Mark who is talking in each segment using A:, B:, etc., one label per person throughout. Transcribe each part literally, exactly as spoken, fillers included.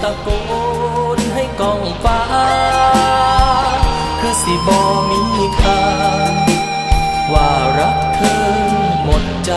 A: ะโกนให้กองฟ้าคือสิบ่มีค่าว่ารักเธอหมดใจ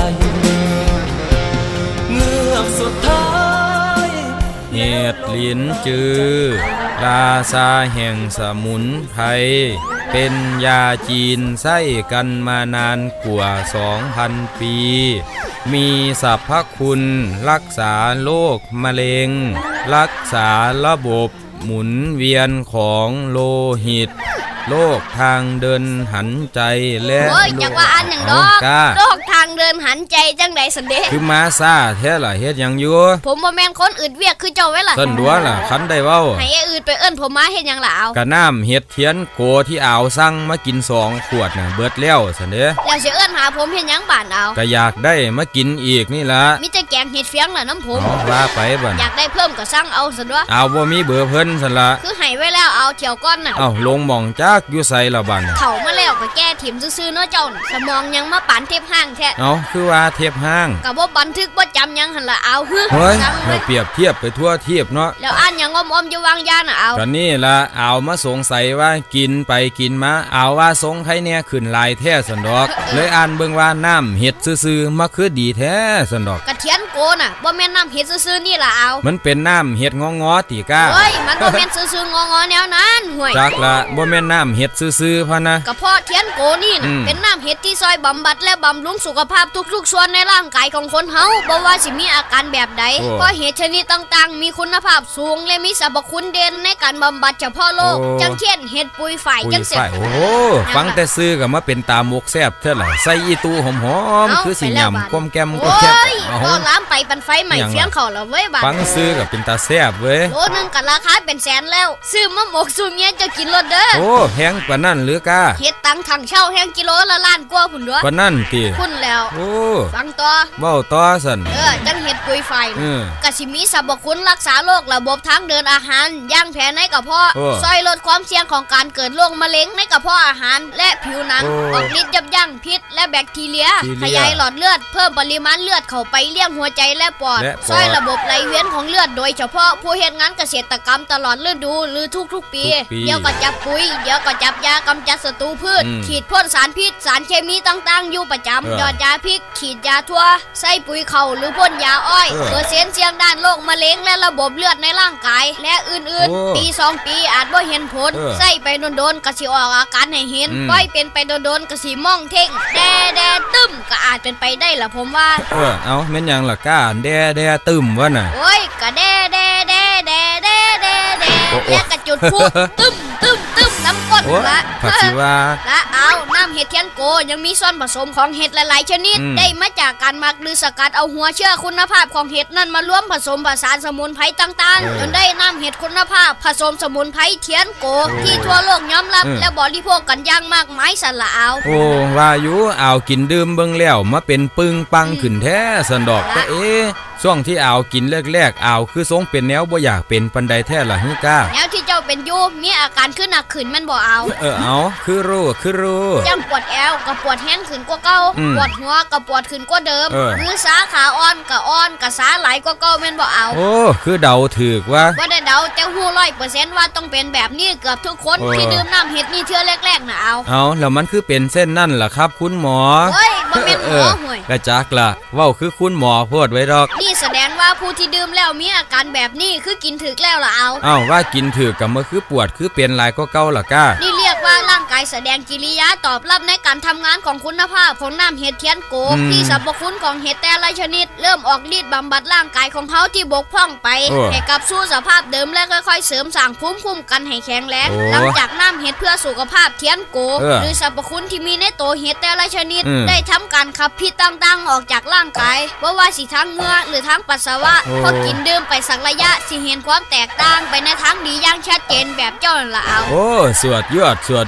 A: เงือกสุดท้าย
B: เห็ดลิ้นจือราชาแห่งสมุนไพรเป็นยาจีนใช้กันมานานกว่าสองพันปีมีสรรพคุณรักษาโรคมะเร็งรักษาระบบหมุนเวียนของโลหิตโรคทางเดินหันใจและ
C: โอ้ยจักว่าอันอย่างดอกโรคทางเดินหันใจจังใดสันเด
B: คือมาซาแท้ล่ะเฮ็ดหยังอยู่
C: ผมบ่แม่นคนอื่นเวียกคือเจ้าไว้ล่ะ
B: ต้นดัวล่ะคันได้เว้า
C: ให้ไอ้อื่นไปเอิ้นผมมาเฮ็ดหยังล่ะเอา
B: กะน้ำเฮ็ดเทียนโกที่อ่าวสั่งมากินสองขวดน่ะเบิดแล้วซั่นเด้
C: แล้วสิเอิ้นหาผมเฮ็ดหยังบ้านเอา
B: ก็อยากได้มากินอีกนี่ล่ะ
C: มีแต่แกงเห็ดเฟียงล่ะน้ำผม
B: ว่าไปบัด
C: อยากได้เพิ่มก็สั่งเอาซั่นวะ
B: เอาบ่มีเบอร์เพิ่นซั่นล่ะ
C: คือให้ไว้แล้วเอาเที่ยวก่อนน่ะ
B: เอ้าลงหม่องจักอยู่ไสล่ะบัด
C: เข้ามาแล้วก็แก้ถิ่มซื่อๆเนาะเจ้าน่ะสมองยังมาปานเทพห้างแท้
B: เอ้าคือว่าเทพห้าง
C: ก็บ่บันทึกบ่จำหยังหั่นล่ะเอาฮึ
B: เฮ้ยให้เปรียบเทียบไปทั่วเทียบเนาะ
C: แล้วอ่านหยังอ้อมๆอยู่วางยาน่ะเอา
B: ก็นี่ล่ะเอามาสงสัยว่ากินไปกินมาเอาว่าสงไผแน่ขึ้นลายแท้ซั่นดอกเลยอ่านเบิ่งว่าน้ำเฮ็ดซื่อๆมาคือดีแท้ซั่นดอก
C: กระเทียนโกน่ะบ่แม่นน้ำเฮ็ดซื่อๆนี่ล่ะเอา
B: มันเป็นน้ำเฮ็ดงอๆติก้า
C: เฮ้ยมันบ่แม่นซื่อๆงอๆแนวนั้นห่วย
B: จักละบ่แม่นน้ำเฮ็ดซื่อๆพะนะ
C: ก็เพราะเทียนโกนี่น่ะเป็นน้ำเฮ็ดที่ซอยบำบัดและบำรุงสุขภาพทุกๆส่วนในร่างกายของคนเฮาบ่ว่าสิมีอาการแบบใดเพราะเห็ดชนิดต่างๆมีคุณภาพสูงและมีสรรพคุณเด่นในการบำบัดเฉพาะโรคจังเช่นเห็ดปุยฝ่ายจังซี่
B: โอ้ฟังแต่ซื้อก็มาเป็นตามกแซ่บเท่าไหร่ใส่อีตูหอมๆคือสิยำก้มแก้มก้มแก้ม
C: ก็ล้ามไปปันไฟใหม่เฟียงเขาแล้วเว้ยบาด
B: ฟังซื้อก็เป็นตาแซ่บเว้ย
C: โลนึงก็ราคาเป็นแสนแล้วซื้อมาหมกซุเมียจะกินรถเด้อ
B: โอ้แพงกว่านั้นหรือกะ
C: เฮ็ดตังถังเช่าแห้งกิโลละล้านกว่าพุ่นเด้อก
B: ว่านั้นติ
C: พุ่นแล้ว
B: โอ้
C: ฟังต่อ
B: เว้าต่อซั่น
C: เออจังเฮ็ดปุยไฟก็สิมีสรรพคุณรักษาโรคระบบทางเดินอาหารย่างแผลในกระเพาะช่วยลดความเสี่ยงของการเกิดโรคมะเร็งในกระเพาะอาหารและผิวหนังออกฤทธิ์ยับยั้งพิษและแบคทีเรียขยายหลอดเลือดเพิ่มปริมาณเลือดเข้าไปเลี้ยงหัวใจและปอดช่วยระบบไหลเวียนของเลือดโดยเฉพาะผู้เฮ็ดงานเกษตรกรรมตลอดฤดูหรือทุกๆปีเดี๋ยวก็จับปุ๋ยเดี๋ยวก็จับยากำจัดศัตรูพืชฉีดพ่นสารพิษสารเคมีต่างๆอยู่ประจำหยอดยาพิษฉีดยาทั่วใส่ปุ๋ยเข่าหรือพ่นยาอ้อยเปอร์เซ็นต์เสี่ยงด้านโรคมะเร็งและระบบเลือดในร่างกายและอื่นๆปีสองปีอาจบ่เห็นผลใส่ไปโดนๆก็สิออกอาการให้เห็นปล่อยเป็นไปโดนๆก็สิมองเท่งแดแดตึ้มก็อาจเป็นไปได้ล่ะผมว่า
B: เออเอาแม่นหยังล่ะก้าแดแดตึ้มวะน่ะ
C: โอ้ยก็แดแดแดแดแดแดแดแล้วก็จุดพลุตึ้มตึ้มตึ้มน้ำก้นละ
B: ผักชีวา
C: และเอาน้ำเห็ดเทียนโกยังมีส่วนผสมของเห็ดหลายๆชนิดได้มาจากการหมักหรือสกัดเอาหัวเชื้อคุณภาพของเห็ดนั้นมารวมผสมผสานสมุนไพรต่างๆจนได้น้ำเห็ดคุณภาพผสมสมุนไพรเทียนโกที่ทั่วโลกยอมรับและบริโภคกันอย่างมากมายสละเอา
B: โอ้ว่าอยู่เอากินดื่มเบิ่งแล้วมาเป็นปึ้งปังขึ้นแท้สันดอกแต่เอ๊ช่วงที่เอากินแรกๆเอาคือทรงเป็นแนวบ่อยากเป็นปันใดแท้ล่ะฮึก้า
C: แนวที่เจ้าเป็นอยู่มีอาการขึ้นหนักขึ้นมันบ่เอา
B: เออเอาคือรู้คือรู้
C: จังปวดแอวกับปวดแห้งขึ้นกว่าเก่าปวดหัวกับปวดขึ้นกว่าเดิมมือสาขาอ่อนกับอ่อนกับสาไหลกว่าเก่าแม่นบ่เอา
B: โอ้คือเดาถูกว่า
C: บ่ได้เดาแต่ฮู้ ร้อยเปอร์เซ็นต์ ว่าต้องเป็นแบบนี้เกือบทุกคนที่ดื่มน้ำเห็ดนี่เทื่อแรกๆน่ะเอา
B: เอาแล้วมันคือเป็นเส้นนั่นล่ะครับคุณหมอ
C: เฮ้ยบ่แม่นหมอห่วย
B: กระจักล่ะเว้าคือคุณหมอพูดไว้ดอก
C: นี่แสดงว่าผู้ที่ดื่มแล้วมีอาการแบบนี้คือกินถึกแล้วล่ะเอา
B: อ้าวว่ากินถึกก็มันคือปวดคือเป็นหลายก็เก่าล่ะก้า
C: นี่เรียกว่าร่างกายแสดงกิริยาตอบรับในการทำงานของคุณภาพของน้ำเห็ดเทียนโกที่สรรพคุณของเห็ดแต่ละชนิดเริ่มออกฤทธิ์บำบัดร่างกายของเฮาที่บกพร่องไปให้กลับสู่สภาพเดิมและค่อยๆเสริมสร้างภูมิคุ้มกันให้แข็งแรงหลังจากน้ำเห็ดเพื่อสุขภาพเทียนโกหรือสรรพคุณที่มีในตัวเห็ดแต่ละชนิดได้ทำการขับพิษต่างๆออกจากร่างกายบ่ว่าสิทางเหงื่อหรือทางปัสสาวะพอกินดื่มไปสักระยะสิเห็นความแตกต่างไปในทางดีอย่างชัดเจนแบบเจ้านั่นล่ะเอา
B: โอ้สวดยอดสวดยอด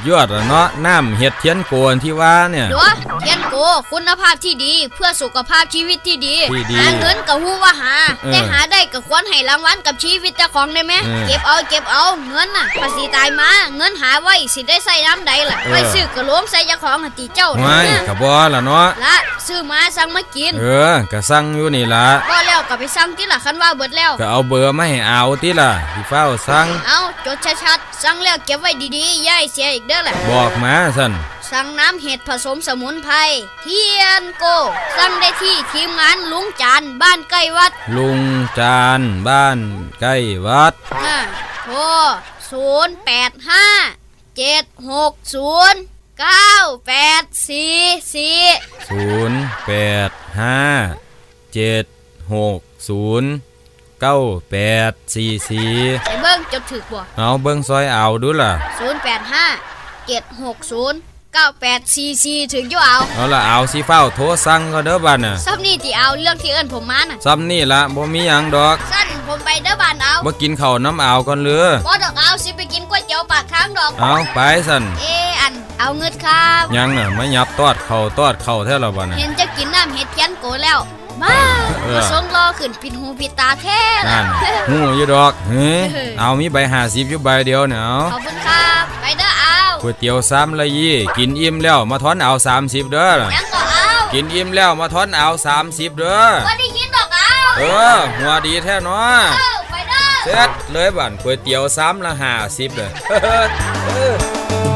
B: เนาะน้ำเห็ดเทียนโกนที่ว่าเนี่ย
C: เดี๋ยวเทียนโกคุณภาพที่ดีเพื่อสุขภาพชีวิตที่ดี
B: ที่ดี
C: หาเงินก็ฮู้ว่าหา
B: เออ
C: แต่หาได้ก็ควรให้รางวัลกับชีวิตเจ้าของได้ไหม
B: เออ
C: เก็บเอาเก็บเอาเงินน่ะภาษีตายมาเงินหาไว้สิได้ใส่น้ำใดล่ะ
B: เออ
C: ไว้ซื้อกระโหลกใส่เจ้าของหติเจ้า
B: ไม่
C: เนี่ย
B: กะบ่ล่ะเนาะ
C: ละซื้อมาสั่งมากิน
B: เออกะสั่งอยู่นี่ล่ะ
C: ก็แล้วก็ไปสั่งที่ละคันว่าเบิดแล้ว
B: ก็เอาเบอร์มาให้เอาติล่ะพี่เฝ้าสั่ง
C: เอาจดชัดๆสั่งแล้วเก็บไว้ดีๆอย่าให้เสียอีกเด้อแหละ
B: บอกมาสั่น
C: สั่งน้ำเห็ดผสมสมุนไพรเทียนโกสั่งได้ที่ทีมงานลุงจานบ้านใกล้วัด
B: ลุงจานบ้านใกล้วัด
C: อ่าโทรศูนย์แปดห้าเจ็ดหกศูนย์เก้าแปดสี่สี่
B: ศูนย์แปดห้าเจ็ดหกศูนย์เก้าแปดสี่สี่
C: ไอ้เบิ้งจดถึกบ่
B: เอาเบิ่งซอยเอาดูล่ะ
C: ศูนย์แปดห้าเจ็ดหกศูนย์เก้าแปดสี่สี่ถึงอยู่เอา
B: เอาล่ะเอาสิเฝ้าโทรสั่งก็เด้อบัดน่ะ
C: ซับนี่ที่เอาเรื่องที่เอิ้นผมมาน่ะ
B: ซ้ำนี่ละบ่มีหยังดอก
C: สั้นผมไปเด้อบ้านเอา
B: บ่กินข้าวน้ำเอาก่อนเรือ
C: บ่ดอกเอาสิไปกินก๋วยเตี๋ยวปากทางดอก
B: เอาไปสั่น
C: เออันเอาเงินครับ
B: ยังน่ะมายับตอดเข่าตอดเข่าแท้ละบัดน่ะ
C: เห็นจะกินน้ำเห็ดเทียนโกแล้วมา
B: เออ
C: มาส่งรอขึ้นปิดหูปิดตาแท้
B: นั่นหูอยู่ดอกเฮ้ยเอามีใบห้าสิบอยู่ใบเดียวเนี่ยเอา
C: ขอบคุณครับไปเด้อเอา
B: ก๋วยเตี๋ยวซ้ำละยี่กินอิ่มแล้วมาทอนเอาสามสิบเด้อล่ะ
C: ยังก็เอา
B: กินอิ่มแล้วมาทอนเอาสามสิบเด้อ
C: บ่ได้ยินดอกเอา
B: เออหัวดีแท้เนาะ
C: เออไปเด้อ
B: เสร็จเลยบั่นก๋วยเตี๋ยวซ้ำละห้าสิบเลย